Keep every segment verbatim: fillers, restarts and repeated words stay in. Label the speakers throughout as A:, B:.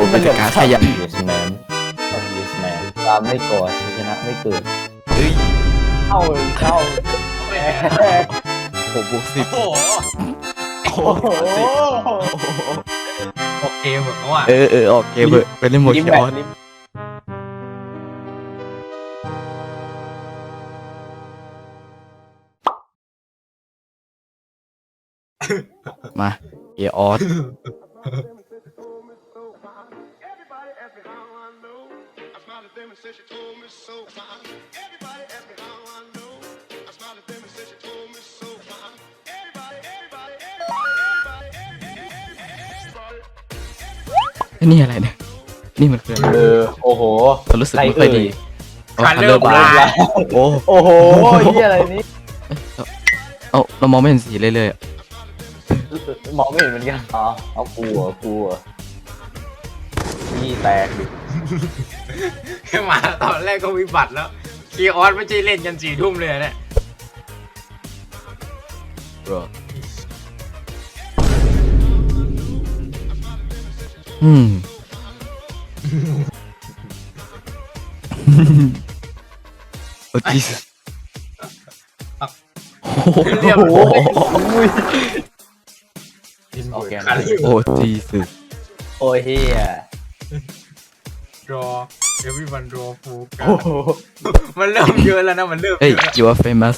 A: เป็นการขยัน
B: yes man ต้อง yes man ตามไม่ก่อชนะไม่เกิด
A: เฮ้ย
B: เข้าเข้า
A: หกบวกสิบ
C: โอ้โห
A: โอ้โห
B: โอ้โห
C: โอเคเหมือนกันว่ะ
A: เออเออออกเกมเถอะเป็นเล่นโม
B: ลิม
A: คิ
B: แบ
A: ออน
B: ลิม
A: มาเอออส นี่อะไรเนี่ยนี่มันคืออะไร
B: เออโอ้โห
A: เรารู้สึกไม่ค่อยดี
C: คันเริ่ม
A: บา
C: ลา
A: ร์
C: ย
A: โอ้
B: โอ้โหเหียอะไรนี่
A: เอาเรามองไม่เห็นสีเลยเลยอะ
B: มองไม่เห็นเหมือนกันอ๋อเอากลัวกลัวนี่แตกดิ
C: ขึ้นมาตอนแรกก็วิบัติแล้วคีออสไม่ใช่เล่นยันสี่ทุ่มเลยเนี่ย
A: บรออืมโอ้จีสโอ้โห
C: เรียบ
B: โอ้
C: ร้อย
B: โหโอเค
C: คัน
A: โอ้จีส
B: โอ้ยเฮีย
C: รอเอวิวันรอฟูกั
B: โอ้โห
C: มันเริ่มเยอะแล้วนะมันเริ่ม
A: เฮ้ย
C: เยอะ
A: you are famous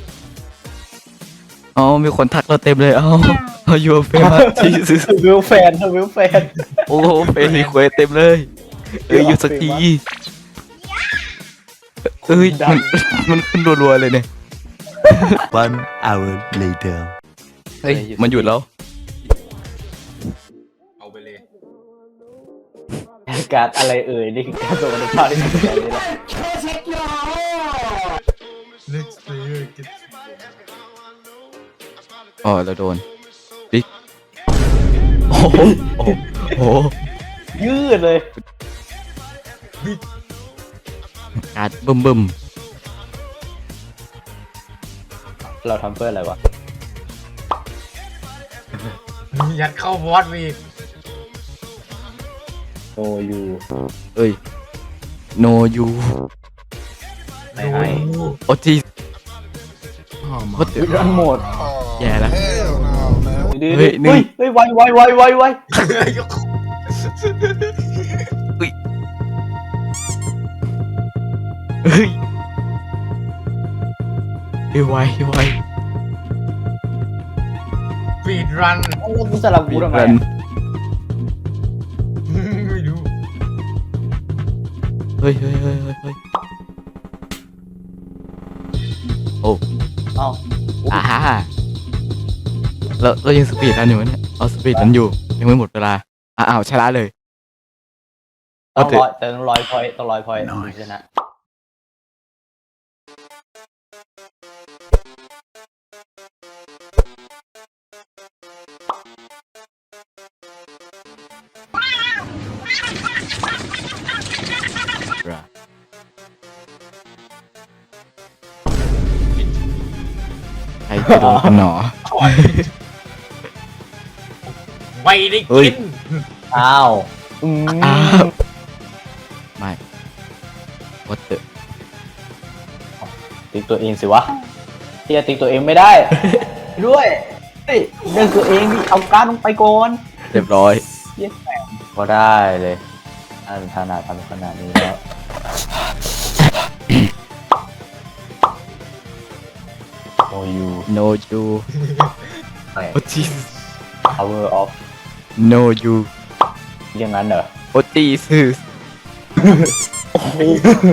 A: อ๋อมีคนทักเราเต็มเลยเอ้า you are famous จีส
B: วิวแฟนวิวแฟน
A: โอ้โหเป็นรีเควสเต็มเลยเอ้ยอยู่สักทีเอ้ยมันมันขึ้นรัวๆเลยเนี่ย
D: One hour later.
A: เฮ้ยมันหยุดแล้ว
C: เอาไปเลย
B: การอะไรเอ่ยนี่คือการส่งอันดับภาพที่สุดเลยนะ
C: next player get
A: อ๋อเราโดนบิ๊กโอ้โหโอ้โห
B: ยืดเลย
A: การดบึ้มบึ้ม
B: เราทำเพื่ออะไรวะ
C: ยัดเข้าบอสอีก
B: โนยู
A: เอ้ย no you
B: ไม่ให้
A: โอ้จีโคตร
B: รันหมด
A: แย่แล้ว
B: ดื้อ
A: เฮ้ยหนึ่ง
B: เฮ้ยเฮ้ยไวไวไวไวไว
A: เฮ้ยเฮ้ยไวไว
C: ฟีดรัน
B: แล้วมึงสลับกูทำไม
A: รัน
B: อะ
C: ไม่รู้
A: เฮ้ยเฮ้ยเฮ้ยเฮ้ยเฮ้ยโอ้
B: เอ้า
A: อ่าฮ่าเราเรายังสปีดรันอยู่เนี่ยเอาสปีดรันอยู่ยังไม่หมดเวลาอ้าวชนะเลย
B: ต้
A: เอา
B: อง
A: เถ
B: ร้อ
A: อะ
B: ยแต่ต้องร้อยพอยต์ต้องร้อยพอยต์ถึงชนะ
A: ใครจะโดนกันหนอ
C: ไม่ได้
A: เฮ้ย
C: กิน
B: อ้าวอืม
A: อ้าวไม่วัดเตอ
B: ติ๊กตัวเองสิวะที่จะติ๊กตัวเองไม่ได้ ด้วยเฮ้ยเรื่องตัวเองดิเอาการลงไปก่อน
A: เรียบร้อย
B: เยี่ยแม่งก็ได้เลยอันขนาดทำขนาดนี้แล้วโอ้ยู
A: no you โอ้จี
B: power of
A: no you
B: อย่างนั้นเหรอ
A: โอ้จีสโอ้โห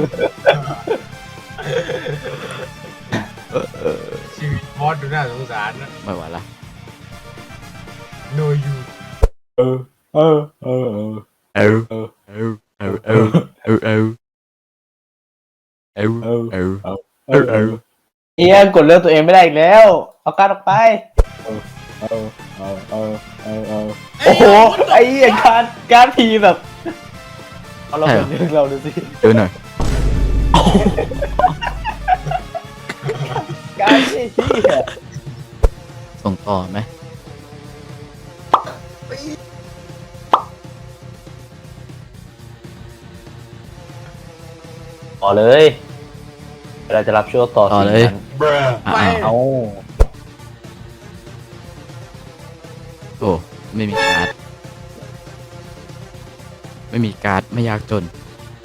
C: ชีวิตบอสดูน่าสงสารนะ
A: ไม่ไหวละ
C: no you
B: เออเออเออเออ
A: เอวเอวเอวเอวเอวเอวเอวเอวเอวเอวเอวเอว
B: เอียกดเลือกตัวเองไม่ได้อีกแล้ว เอาการออกไปเออเออเออเออเออเออโอ้โหไอ้เหี้ยการการทีแบบเอาเราเป็นเรื่องเราดูสิ
A: เอวหน่อย
B: การที่เหี้ย
A: ส่งต่อไหม
B: ต่อเลยเราจะรับช่วงต่อ
A: ต่อ
B: สิ่ง
A: เลย
B: นั้น
A: อ่ะ
C: ไป
A: อ้าว
B: เอา
A: โอ้ไม่มีการ์ดไม่มีการ์ดไม่ยากจน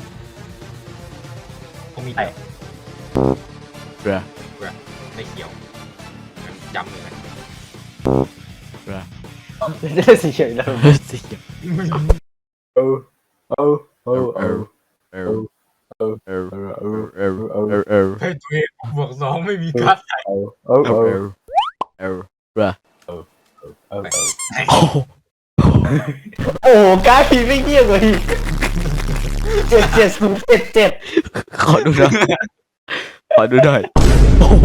C: ผมมีแต่
A: เรือ
C: ไม่เขียวจำเลยนะ
A: เรือ
B: จะได้สีเขียวแล้ว
A: เฮ้ยสิ
B: เออเออเออเออ
A: เออเออเออเออเออเออเออเออ
C: เฮ้ยตัวเองบวกสองไม่มีการ์ดใส่
B: เออเออ
A: เอ
B: เอ
A: อ
B: อ
A: เออเรือ
B: เออเออ
A: โอ้โห
B: โอ้การผีไม่เงียบเลยเจ็ดเจ็ดศูนย์เจ็ดเจ็ด
A: ขอดูหน่อยขอดูหน่อยโอ้โห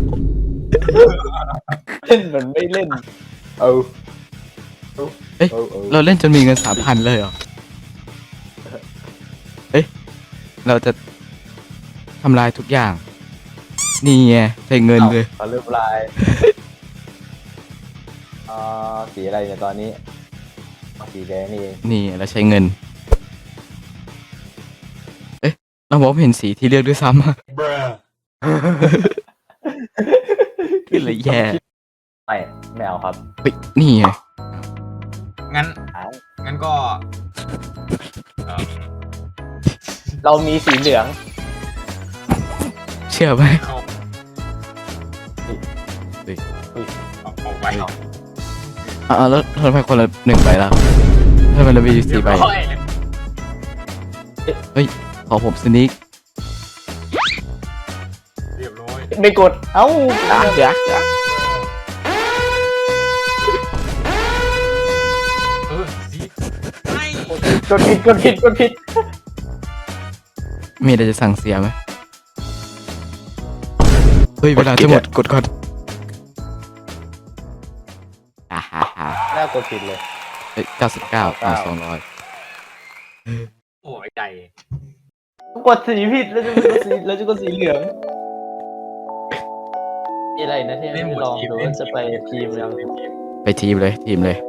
B: เล่นเหมือนไม่เล่นเออ
A: เอ้ย
B: เออเออ
A: เราเล่นจนมีเงินสามพันเลยเหรอเอ้ยเราจะทำลายทุกอย่าง นี่ไงใช้เงินเลย
B: ขอเริ่มลายอ่าสีอะไรเนี่ยตอนนี้สีแดงนี่เอง
A: นี่เราใช้เงิน เอ๊ะเราบอกว่าเห็นสีที่เลือกด้วยซ้ำอะขึ้นเลยแย่
B: ไม่ไม่เอาครับ
A: เฮ้ยนี่ไง
C: งั้น
B: เอา
C: งั้นก็เออ
B: เรามีสีเหลือง
A: เชื่อไหม
C: เข้า
A: เฮ้ย
C: เอาเอาไปเอา
A: อ่าแล้วทำไมคนละหนึ่งใบแล้วทำไมเรามีสี่ใบ
C: เรียร้อย
A: เฮ้ยขอผมสนิก
C: เรียบร้อย
B: ไม่กดเอ้า
A: อ่ะเดี๋ยวเดี๋ยว
C: เออสีไม่
B: กดผิดกดผิดกดผิด
A: มีอะไรจะสั่งเสียไหมเฮ้ยเวลาจะหมดกดก่อนอ่าฮ่าฮ่า
B: น่ากดผิดเลย
A: เอ้ยเก้าสิบเก้าอ่าสองร้อย
C: โอ้ยใจ
B: กดสีผิดแล้วจะกดสีแล้วจะกดสีเหลืองนี่อะไรนะที่ไม่ลองดูว่าจะไปทีมยัง
A: ไปทีมเลยทีมเลย